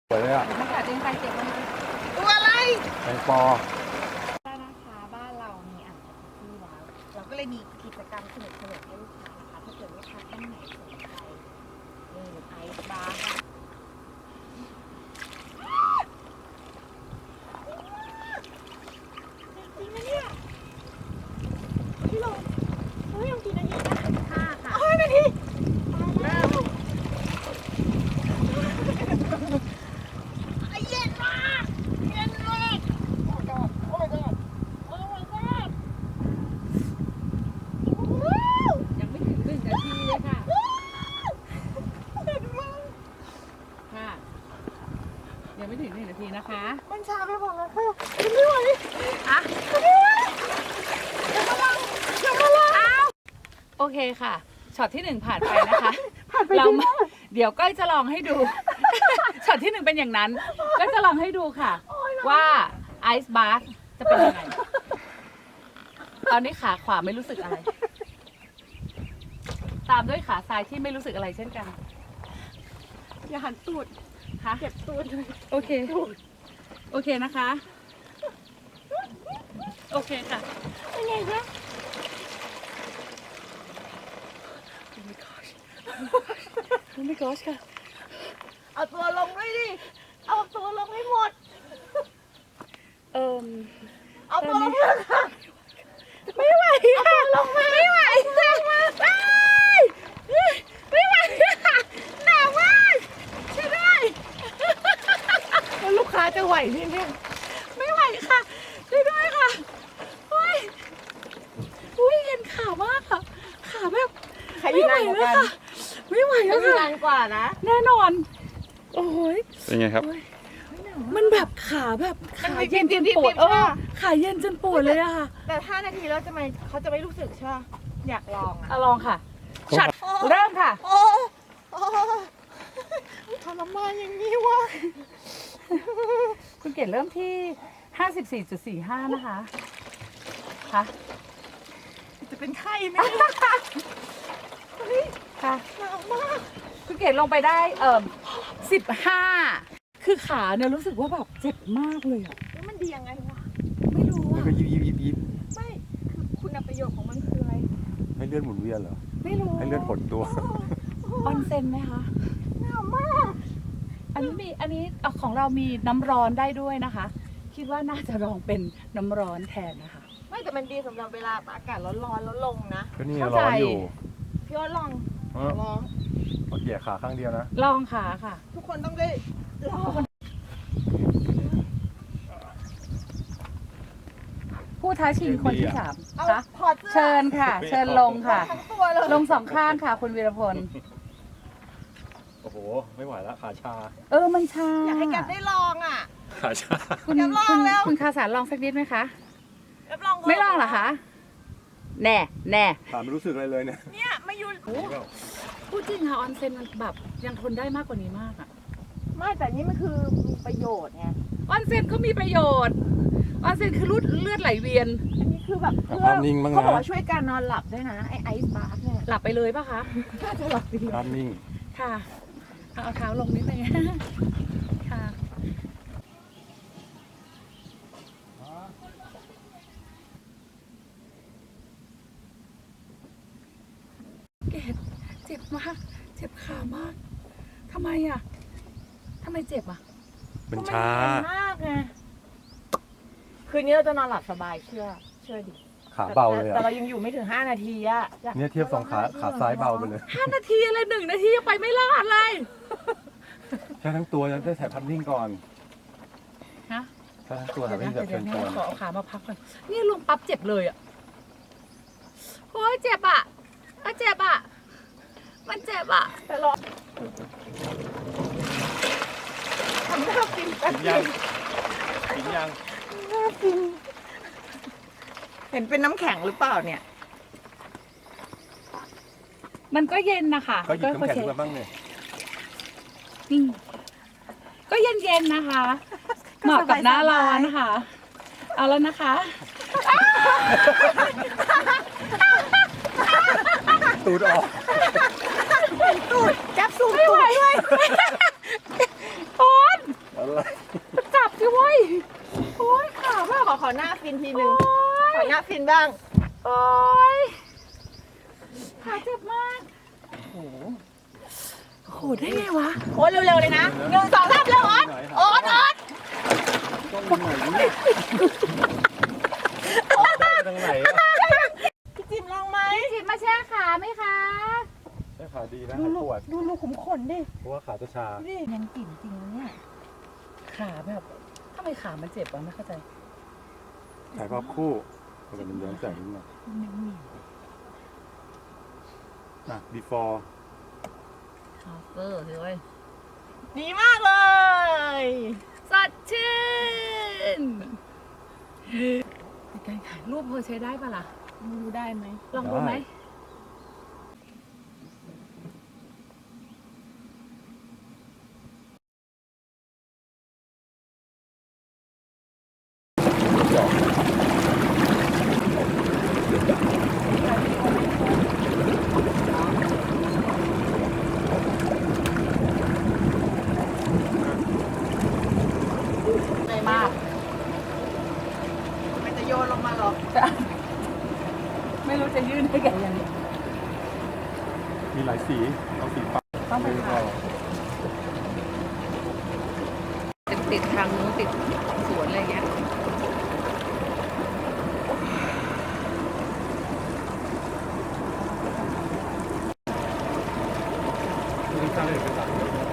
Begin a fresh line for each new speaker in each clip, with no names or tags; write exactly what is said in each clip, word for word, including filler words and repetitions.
สวยเลยอ่ะ
มันขาดเองไปเก็บมัน
ตัวอะไร
แตงปอ
บ้านนะคะบ้านเรามีอ่างที่แล้วเราก็เลยมีกิจกรรมสนุกสนุกให้ลูกค้านะคะถ้าเกิดลูกค้าท่านไหนสนใจนี่ไอซ์บาร์ค่ะจริงไหมเนี่ยพี่ลงเฮ้ยยังกี่นาทีนะห้าค่ะห้านาทีเริ่มเย็นมากเย็นมากโอ้ my god โอ้ my god โอ้ my god
ยังไม่ถึงหนึ่งนาทีเลยค่ะ
เย็นมาก
ค่ะยังไม่ถึงหนึ่งนาทีนะคะ
มันช้าไปหมดแล้วค่ะไม่ไหว
อ่ะ
ไม่ไหวอย่ามาลังอย่ามาลังอ้าว
โอเคค่ะช็อตที่หนึ่งผ่านไปนะคะ
ผ่านไป
เราเดี๋ยวก้อยจะลองให้ดู ช็อตที่หนึ่งเป็นอย่างนั้นก็จะลองให้ดูค่ะ ว่าไอซ์บาร์จะเป็นยังไงตอนนี้ขาขวาไม่รู้สึกอะไร ตามด้วยขาซ้ายที่ไม่รู้สึกอะไรเช่นกัน
อย่าหันตูด
ค่ะ
เก็บตูดเลย
โอเคโอเคนะคะโอเคค่ะ
เป็นไงคะ
โอ้ my gosh ค่ะ
เอาตัวลงด้วยดิเอาตัวลงให้หมด
เอ่อ
เอาตัวลงเลยค่ะไม่ไหวค่ะลงมาไม่ไหวค่ะไม่ไม่ไหวค่ะหนาวมากช่วยด้วยแล้วลูกค้าจะไหวนี่เนี่ย
ไม่ไหวค่ะช่วยด้วยค่ะโอ้ยอุ้ยเห็นขามากค่ะขาแบบ
ไม่ไหวเลยค่ะ
ไม่ไหวแล้วค่ะ
นานกว่านะ
แน่นอนโอ้ย
เป็นไงครับ
มันแบบขาแบบขาเย็นจนปวดเออขาเย็นจนปวดเลยอะค่ะ
แต่ห้านาทีแล้วจะไม่เขาจะไม่รู้สึกใช่ไหมอยากลองอ่ะ
ลองค่ะช็อตเริ่มค่ะ
โอ้ทรมานอย่างนี้วะ
คุณเกดเริ่มที่ ห้าสิบสี่จุดสี่ห้า นะคะค่ะ
จะเป็นไข้ไหม
ค่ะ
หนาวมาก
คุณเกดลงไปได้เอ่อสิบห้าคือขาเนี่ยรู้สึกว่าแบบเจ็บมากเลยอ่ะ
แล้วมันดียังไงวะ
ไม่รู้อ่ะ
ก็ยิบยิบยิบยิบ
ไม่คือคุณประโยชน์ของมันคืออะไร
ให้เลือดหมุนเวียนเหรอ
ไม่รู้
ให้เลือดหดตัว
ออนเซ็นไหมคะ
หนาวมาก
อันนี้มีอันนี้ของเรามีน้ำร้อนได้ด้วยนะคะคิดว่าน่าจะลองเป็นน้ำร้อนแทนนะคะ
ไม่แต่มันดีสำหรับเวลาอากาศร้อนๆแล้วลงนะ
ก็นี่ร้อนอยู่
พี่ว่าลองลอง
เอาเหยียดขาข้างเดียวนะ
ลองขาค่ะ
ทุกคนต้องได้ลอง
ผู้ท้าชิงคนที่สามคะ
เ
ชิญค่ะเชิญลงค่ะลงสองข้างค่ะคุณวีรพล
โอ้โหไม่ไหวแล้วขาชา
เออมันชา
อยากให้แกได้ลองอ่ะ
ขาชา
คุณคุณคุณคาสารลองสักนิดไหมคะไม่ลองเหรอคะแน่แน่
ขาไม่รู้สึกอะไรเลยเนี่ย
เนี่ยมาอยู่
พูดจริงค่ะออนเซ็นมันแบบยังทนได้มากกว่านี้มากอ่ะ
ไม่แต่นี่มันคือมีประโยชน์ไง
ออนเซ็นก็มีประโยชน์ออนเซ็นคือรูดเลือดไหลเวียน
อันนี้คือแบบเพื่อเขาบอกว่าช่วยการนอนหลับด้วยนะไอไอซ์บาร์เนี่ย
หลับไปเลยป่ะคะ
น่าจะหลับดี
ภาพนิ่ง
ค่ะเอาเท้าลงนิดนึงค่ะเกดเจ็บมากเจ็บขามากทำไมอ่ะทำไมเจ็บอ่ะ
เป็นชา
ๆมากไงคืนนี้เราจะนอนหลับสบายเชื่อเชื่อดิ
ขาเบาเลยอะ
แต่เรายังอยู่ไม่ถึงห้านาทีอะ
เนี่ยเทียบสองขาขาซ้ายเบาไปเลย
ห้านาทีอะไรหนึ่งนาทียังไปไม่รอดเลย
แค่ทั้งตัวยังได้ถ่ายภาพนิ่งก่อน
ฮะ
แค่ทั้งตัวถ่ายภาพนิ่งแบบเชิญชวน
ขอเอาขามาพักก่อนนี่ลงปั๊บเจ็บเลยอ่ะโอ้ยเจ็บอ่ะเจ็บอ่ะมันเจ็บอ่ะ
แต่รอทำหน้าฟิน
กินยังกินยัง
หน้าฟินเห็นเป็นน้ำแข็งหรือเปล่าเนี่ย
มันก็เย็นนะคะ
ก็หยิบน้ำแข็งมาบ้างเนี่ย
ก็เย็นๆนะคะเหมาะกับหน้าร้อนนะคะเอาแล้วนะคะ
ตูดออก
ตูดจับสูงตูดด้วย
โอน
อะไร
จับสิเว้ยโอ้ยขาแบบ
ขอขอหน้าฟินทีหนึ่งขอหน้าฟินบ้าง
โอ้ยขาเจ็บมากโอ้โหโหได้ไงวะ
โอ๊ตเร็วๆเลยนะหนึ่งสองสามเร็วโอ๊ตโอ๊ตโอ๊ต
ต้องอยู่ไหนเนี่ยไปทางไหนอะ
พี่จิมลองไหม
จิตมาแช่ขาไหมคะ
ได้ขาดีนะ
ดู
หาย
ลู
ป
ก
วด
ดูลูกขุมขนดิ
เพราะว่าขาจะชา
ดูดิยังกลิ่นจริงนะเนี่ย
ขาแบบทำไมขามันเจ็บวะไม่เข้าใจ
ถ่ายภาพคู่แต่มันย้อนแสงนิดหน่อย
มันเหนียว
อ่ะ before
เออเฮ้ย
ดีมากเลย
สดชื่นการถ่ายรูปพอใช้ได้ปะล่ะ
ไม่รู้ได้ไหม
ลองดูไหม มาก
มันจะโยนลงมาหรอ
ไม่รู้จะยื่นให้แกยังไง
มีหลายสี เอาสีฟ้า
ต้องไปถ่ายติดติดทางนู้นติดสวนอะไรเงี้ย
ที่สร้างเอกสาร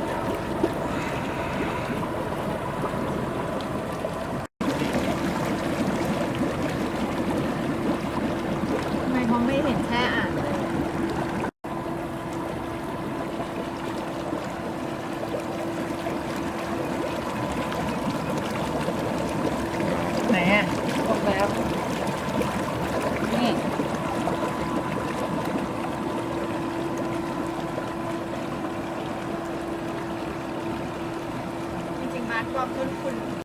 ทำไมเขาไม่เห็นแค่อ่านเลย
ไหนอ่ะตรงแล้วนี่
จริงๆมาร์คความคุ้นคุณ